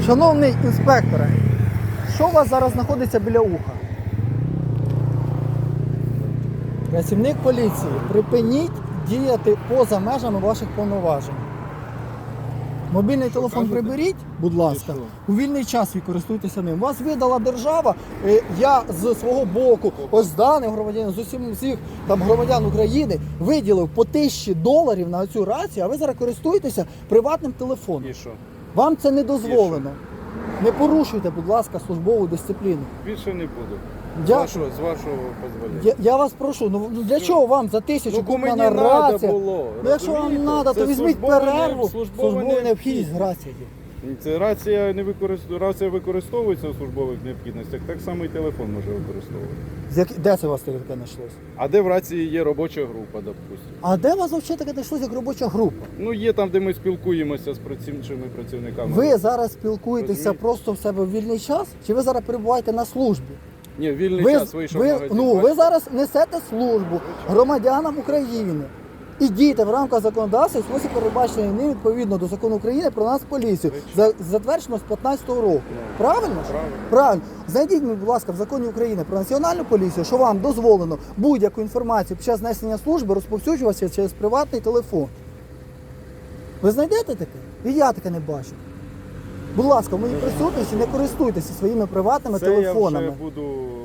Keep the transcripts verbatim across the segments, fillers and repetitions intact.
Шановний інспекторе, що у вас зараз знаходиться біля уха? Працівник поліції, припиніть діяти поза межами ваших повноважень. Мобільний телефон приберіть, будь ласка, у вільний час ви користуйтеся ним. Вас видала держава, я з свого боку, ось з даним громадянам, з усім всіх там громадян України виділив по тисячі доларів на цю рацію, а ви зараз користуєтеся приватним телефоном. І що? Вам це не дозволено. Не порушуйте, будь ласка, службову дисципліну. Більше не буду. Я- З вашого, з вашого дозволення. Я, я вас прошу, ну для Що? чого вам за тисячу Ну, бо куплена мені надо рація? було, Ну якщо вам розумієте? треба, Це то візьміть службова перерву, не- службова службову необхідність необхідність. рації. Це рація не використовується, рація використовується у службових необхідностях, так само і телефон може використовувати. З як- Де це у вас таке знайшлось? А де в рації є робоча група, допустимо? А де у вас взагалі таке знайшлось як робоча група? Ну є там, де ми спілкуємося з працівними працівниками. Ви зараз спілкуєтеся Розумієте? просто в себе в вільний час? Чи ви зараз перебуваєте на службі? Ні, вільний Ви, час вийшов в ви, магазин. ну, ви бачите? зараз несете службу громадянам України. І дійте в рамках законодавства, в спосіб передбачений ним відповідно до закону України про нас поліцію, за, затверджено з п'ятнадцятого року. Правильно ж? Правильно. Правильно. Знайдіть, будь ласка, в законі України про національну поліцію, що вам дозволено будь-яку інформацію під час несення служби розповсюджуватися через приватний телефон. Ви знайдете таке? І я таке не бачу. Будь ласка, в моїй присутності не користуйтеся своїми приватними Це телефонами. я вже буду...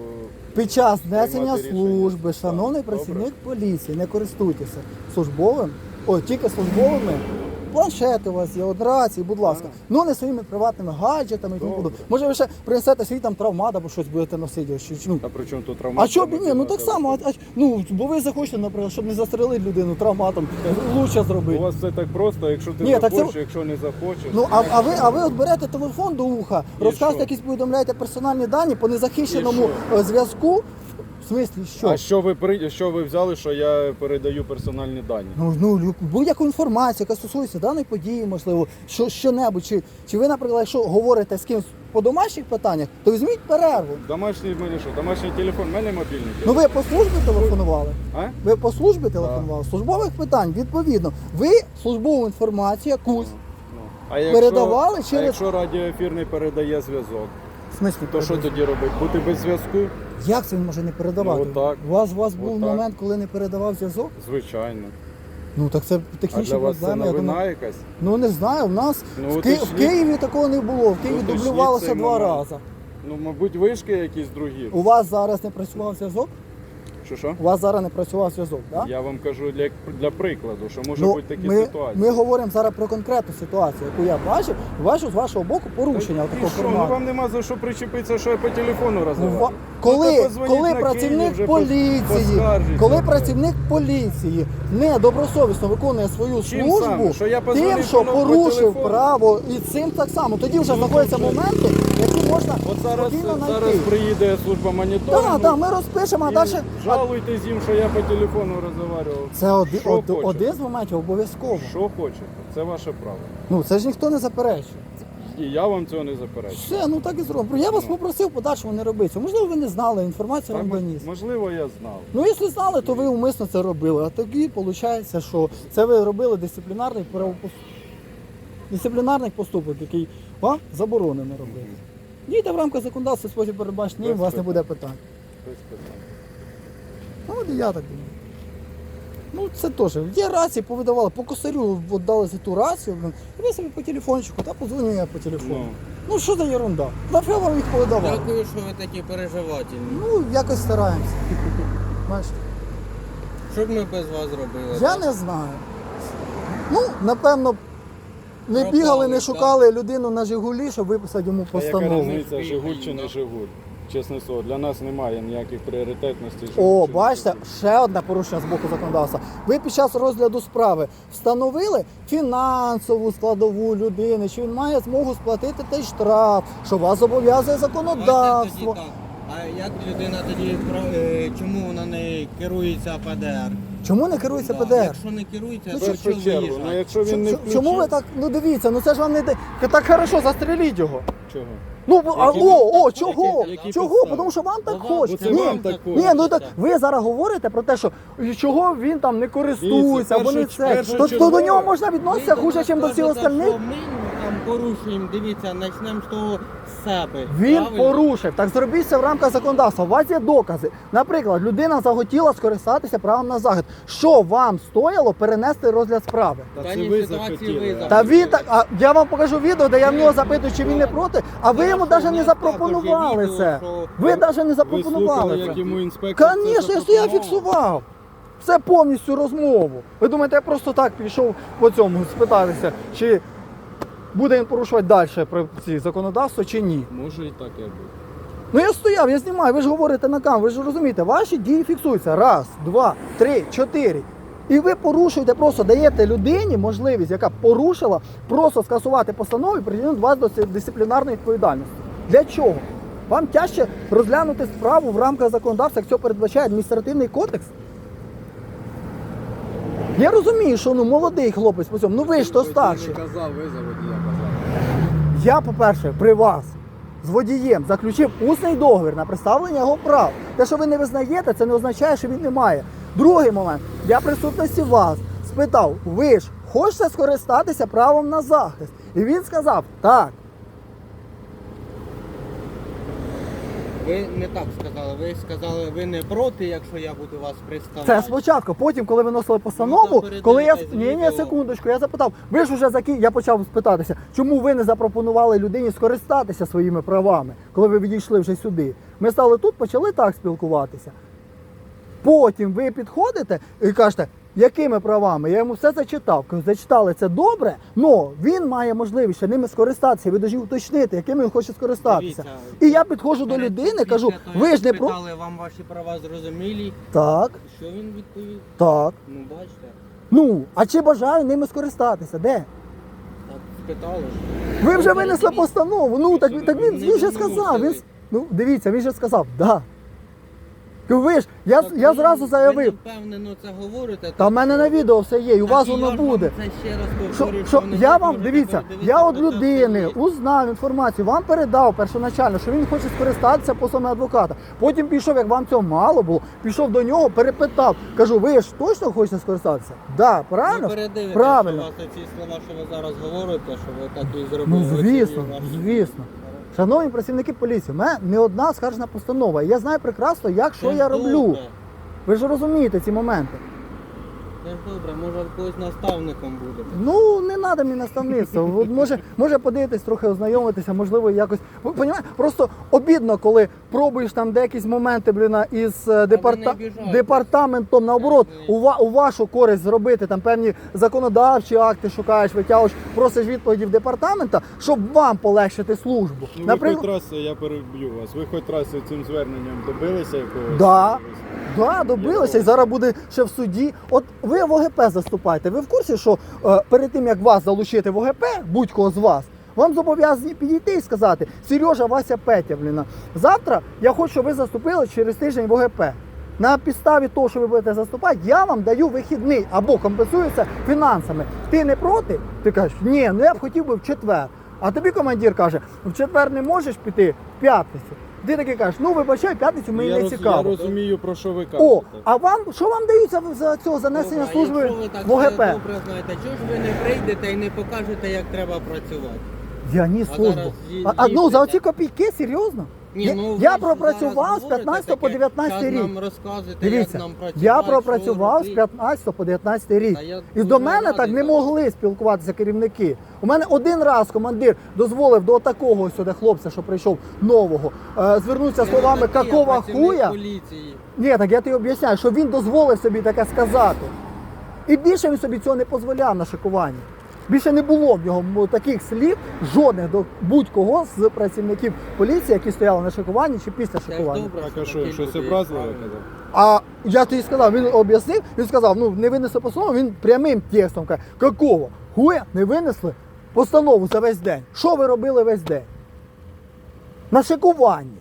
Під час несення приймати рішення. служби, шановний Так, працівник поліції, не користуйтеся службовим, ой, тільки службовими. Планшети у вас є, от рації, будь ласка. Так. Ну не своїми приватними гаджетами і тому Добре. подобне. Може ви ще принесете свій там травмат або щось будете носити. Чи, чи, ну. А при чому тут травма? А що б і ні? Ну так само, а, а, ну, бо ви захочете, наприклад, щоб не застрелити людину травматом, лучше У зробити. вас все так просто, якщо ти Ні, так захочеш, це- якщо не захочеш. Ну, а, а ви, а ви от берете телефон до уха, І розказуєте, що? якісь повідомляєте персональні дані по незахищеному І е, зв'язку. В смислі, що? А що ви при- що ви взяли, що я передаю персональні дані? Ну, ну лю- будь-яку інформацію, яка стосується даної події, можливо, що, що-небудь. Чи, чи ви, наприклад, якщо говорите з кимось по домашніх питаннях, то візьміть перерву. Домашній в мене що? Домашній телефон, в мене мобільний Ну телефон. ви по службі телефонували? А? Ви по службі телефонували? Службових питань, відповідно. Ви службову інформацію якусь. Ну. А якщо, Передавали а через- якщо радіоефірний передає зв'язок, В смислі, то що тоді робити? Бути без зв'язку? як це він може не передавати? Ну, отак. У вас, у вас був Отак. момент, коли не передавав зв'язок? Звичайно. Ну так це А технічні для вас це проблеми. я новина думаю. якась? Ну не знаю, в нас Ну, в, Ки... в уточніть. Києві такого не було. В Києві Уточніть дублювалося цей два момент. рази. Ну, мабуть, вишки якісь другі. У вас зараз не працював зв'язок? Що що? У вас зараз не працював зв'язок, так? Я вам кажу для, для прикладу, що може Ну, бути такі ми, ситуації. ми говоримо зараз про конкретну ситуацію, яку я бачив, і бачу з вашого боку порушення І такого що? Ну формату. вам нема за що причепитися, що я по телефону Ну, розвиваю. ва- Коли, то позвоніть коли на Київ, працівник вже поліції, поскаржіться. коли працівник поліції недобросовісно виконує свою Чим службу, саме? Що я позвонив тим, що по порушив телефону? право, і цим так само. Тоді вже знаходяться моменти, які можна От зараз, спокійно зараз знайти. приїде служба моніторингу. Так, так, ми розпишемо, а і далі. жалуйтесь їм, що я по телефону розмовляв. Це один, Що од- хочете? один з моментів обов'язково. Що хочете, це ваше право. Ну це ж ніхто не заперечує. І я вам цього не заперечую. Все, ну так і зробимо. Я вас Ну. попросив подальшому не робити цього. Можливо, ви не знали, інформацію Так, вам доніс. можливо, я знав. Ну, якщо знали, то ви умисно це робили. А тоді виходить, що це ви робили дисциплінарний правопос... дисциплінарний поступок, який вам заборонено робити. Дійте в рамках законодавства, спосіб передбачення, і у Без вас не питань. буде питань. Без питань. Ну, от і я так думаю. Ну, це теж. Є рації, повидавали, по косарю віддали за ту рацію, блин, і ви собі по телефончику, та подзвоню я по телефону. Ну. Ну, що за ерунда? Нафіга вам їх повидавали? Дякую, що ви такі переживательні. Ну, якось стараємося. Бачите? Що б ми без вас зробили? Я не знаю. Ну, напевно, не Пропали, бігали, не так. шукали людину на Жигулі, щоб виписати йому Та яка постанову. різниця, Жигуль чи не Жигуль? Чесне слово, для нас немає ніяких пріоритетностей. О, Жигуль чи не бачите, Жигуль. ще одне порушення з боку законодавства. Ви під час розгляду справи встановили фінансову складову людини, що він має змогу сплатити той штраф, що вас зобов'язує Давайте законодавство. тоді так. А як людина тоді про- е, чому вона не керується ПДР? Чому не керується Да, ПДР? Якщо не керується, В то першу що чергу, ну виїжджати? якщо він не Ч- включив... Чому ви так, ну дивіться, ну це ж вам не... де- Так хорошо, застреліть його. Чого? Ну, а, Які- о, о, які- чого? які Чого? підстави? Тому що вам так Ну, вам- хочеться. Це Ні, вам так ні, хочеться. ну так ви зараз говорите про те, що чого він там не користується, Дивіться, або не першу- це. першу То, то до чергу- нього можна відноситися хуже, ніж до всіх остальних. Ми, там порушуємо, дивіться, почнемо з того з себе. Він правильно? порушив. Так зробіть це в рамках законодавства. У вас є докази. Наприклад, людина захотіла скористатися правом на захист. Що вам стояло перенести розгляд справи? Та В це даній ви ситуації захотіли. ви Та він так, а я вам покажу відео, де я в нього запитую, чи він не проти, а ви йому Хорошо, навіть не у нас також є запропонували відео, це. що- Ви навіть не Ви запропонували слухали, це. як йому інспектор це Звісно, я стояв, запропонував? фіксував. Це повністю розмову. Ви думаєте, я просто так пішов по цьому спитатися, чи буде він порушувати далі про ці законодавство, чи ні? Може і таке буде. Ну я стояв, я знімаю, ви ж говорите на камеру, ви ж розумієте, ваші дії фіксуються. Раз, два, три, чотири. І ви порушуєте, просто даєте людині можливість, яка порушила, просто скасувати постанову і притягнути вас до дисциплінарної відповідальності. Для чого? Вам тяжче розглянути справу в рамках законодавства, як це передбачає адміністративний кодекс? Я розумію, що ну молодий хлопець по цьому, ну ви ж то старші. Не казав, ви за водія казали. Я, по-перше, при вас з водієм заключив усний договір на представлення його прав. Те, що ви не визнаєте, це не означає, що він не має. Другий момент. Я в присутності вас спитав, ви ж хочете скористатися правом на захист? І він сказав, так. Ви не так сказали, ви сказали, ви не проти, якщо я буду вас представляти. Це спочатку. Потім, коли виносили Ну, постанову, то передивіться коли я... з Ні, ні, відео. секундочку, я запитав, ви ж вже закі... Я почав спитатися, чому ви не запропонували людині скористатися своїми правами, коли ви відійшли вже сюди. Ми стали тут, почали так спілкуватися. Потім ви підходите і кажете, якими правами? Я йому все зачитав. Кажу, зачитали це добре, але він має можливість ще ними скористатися. Ви повинні уточнити, якими він хоче скористатися. Дивіться, І я підходжу до перед людини, цим кажу, після того, ви як ж не про... спитали, вам ваші права зрозумілі. Так, Що він відповів? так. Ну, бачите, Ну, а чи бажаю ними скористатися? Де? так спитали ж. Ви вже Ну, винесли передивіться. постанову. Ну, так, він- так він, Не він же виносили. сказав. Він, с- ну, дивіться, він же сказав, да. Кажу, ви ж, я, Так я ви- зразу заявив, Ви не впевнено це говорите. та в мене на відео все є, і у Так вас і воно я ж вам буде. Це ще раз Що, повторюю, що не я можете вам, дивіться, передивитися я от процес людини дії. узнав інформацію, вам передав першоначально, що він хоче скористатися послами адвоката. Потім пішов, як вам цього мало було, пішов до нього, перепитав. Кажу, ви ж точно хочете скористатися? Да, правильно? Ви передивитесь, Правильно. що у вас ці слова, що ви зараз говорите, що ви так і зробили. Ну, Ви звісно, ці ваші- звісно. Шановні працівники поліції, у мене не одна скаржна постанова. І я знаю прекрасно, як що Це я ж роблю. добре. Ви ж розумієте ці моменти. Це ж добре, може когось наставником будете. Ну, не треба мені наставництво. От може, може подивитись, трохи ознайомитися, можливо, якось. Ви понімаєте? Просто обідно, коли пробуєш там деякісь моменти, блін, із е, департа... обіжайтесь. департаментом, наоборот, Ні. у, ва... у вашу користь зробити там певні законодавчі акти шукаєш, витягуєш, просиш відповіді в департамента, щоб вам полегшити службу. Ну, ви Наприклад, хоч раз, я переб'ю вас, ви хоч раз цим зверненням добилися якогось? Да. Да, добилися, і зараз буде ще в суді. От ви в ОГП заступаєте. Ви в курсі, що е, перед тим, як вас залучити в ОГП, будь-кого з вас, вам зобов'язані підійти і сказати: Сережа, Вася, Петя, блін, завтра я хочу, щоб ви заступили через тиждень в ОГП. На підставі того, що ви будете заступати, я вам даю вихідний або компенсується фінансами. Ти не проти? Ти кажеш, ні, ну я б хотів би в четвер. А тобі командир каже, в четвер не можеш піти, в п'ятницю. Ти таки кажеш, ну вибачай, в п'ятницю мені я, не роз, цікаво. я розумію, про що ви кажете. О, а вам що вам дають за, за цього занесення Добре, а служби якщо ви так в ОГП? все добре знаєте, чого ж ви не прийдете і не покажете, як треба працювати? Я ні А службу. зараз ї- А, а ну за їздите. оці копійки, серйозно? Ні, я ну, ви я ж пропрацював зараз з п'ятнадцятого по говорите дев'ятнадцятий таке, рік. час нам розказуєте, Дивіться, як нам працювати, я що пропрацював з робити. п'ятнадцятого по дев'ятнадцятий рік. Та я І дуже до мене радий так не за могли спілкуватися керівники. У мене один раз командир дозволив до такого ось сюди хлопця, що прийшов нового, е, звернутися Це словами не такі, а «какого працівник хуя». поліції. Ні, так я тобі об'ясняю, що він дозволив собі таке сказати. І більше він собі цього не дозволяв на шикуванні. Більше не було в нього таких слів, жодних до будь-кого з працівників поліції, які стояли на шикуванні чи після Це ж шикування. добре, Так, а що, такі щось люди є, образливе правильно. казав? А я тобі сказав, він об'яснив, він сказав, ну не винесли постанову, він прямим текстом каже, какого? Хуя не винесли постанову за весь день. Що ви робили весь день? На шикуванні.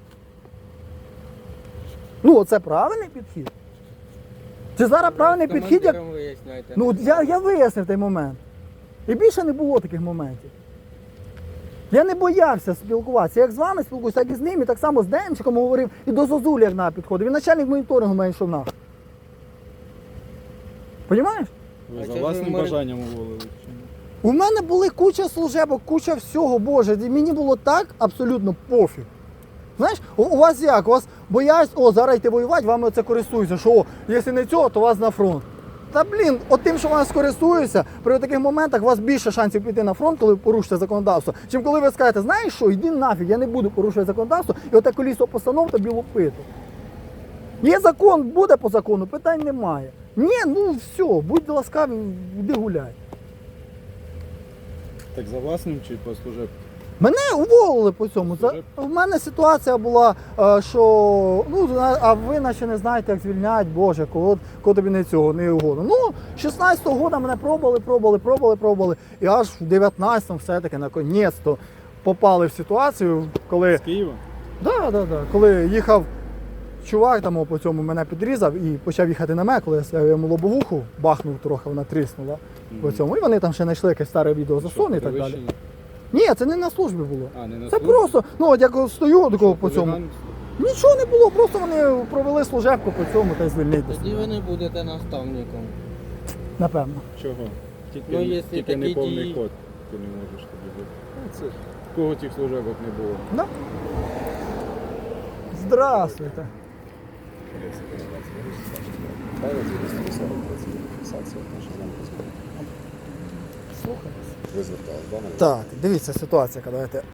Ну, оце правильний підхід? Чи зараз правильний З підхід, як. командиром виясняйте. Ну, от я, я вияснив той момент. І більше не було таких моментів. Я не боявся спілкуватися. Як з вами спілкуюся, так і з ним, і так само з Демчиком говорив, і до Зозулі як на підходив. Він начальник моніторингу мене йшов нахуй. Понімаєш? Ви А за це ж власним ви морі- бажанням уволили? чи ні? У мене були куча служебок, куча всього, Боже, і мені було так абсолютно пофіг. Знаєш, у, у вас як? У вас боясь, о, зараз йти воювати, вами це користуються, що, о, якщо не цього, то вас на фронт. Та блін, от тим, що вас користуються, при таких моментах у вас більше шансів піти на фронт, коли ви порушите законодавство, чим коли ви скажете, знаєш що, йди нафіг, я не буду порушувати законодавство, і оте колісо постанов тобі лупити. Є закон, буде по закону, питань немає. Ні, ну все, будь ласкаві, йди гуляй. Так за власним чи по служебці? Мене уволили по цьому. Це, Служеб? в мене ситуація була, е, що ну, зна- а ви наче не знаєте, як звільняють, Боже, кого, кого тобі не цього, не угодно. Ну, шістнадцятого року мене пробували, пробували, пробували, пробували. І аж в дев'ятнадцятому все-таки наконець-то попали в ситуацію, коли, З Києва? да, да, да, коли їхав чувак, там о, по цьому мене підрізав і почав їхати на мене, коли я йому лобовуху бахнув трохи, вона тріснула по цьому. І вони там ще знайшли якесь старе відео засуне і так далі. Перевищення? Ні, це не на службі було. А, не на Це службі? просто, ну от як стою такого по цьому. Хуліган? Нічого не було, просто вони провели служебку по цьому та й звільнитися. Тоді ви не будете наставником. Напевно. Чого? Тільки, Ну, якщо тільки такі не повний дії- код. Ти не можеш тоді бути. Ну, це ж кого тих служебок не було. Да? Здравствуйте. Слухай. Ви звертали, да, на Так, дивіться ситуація, яка, давайте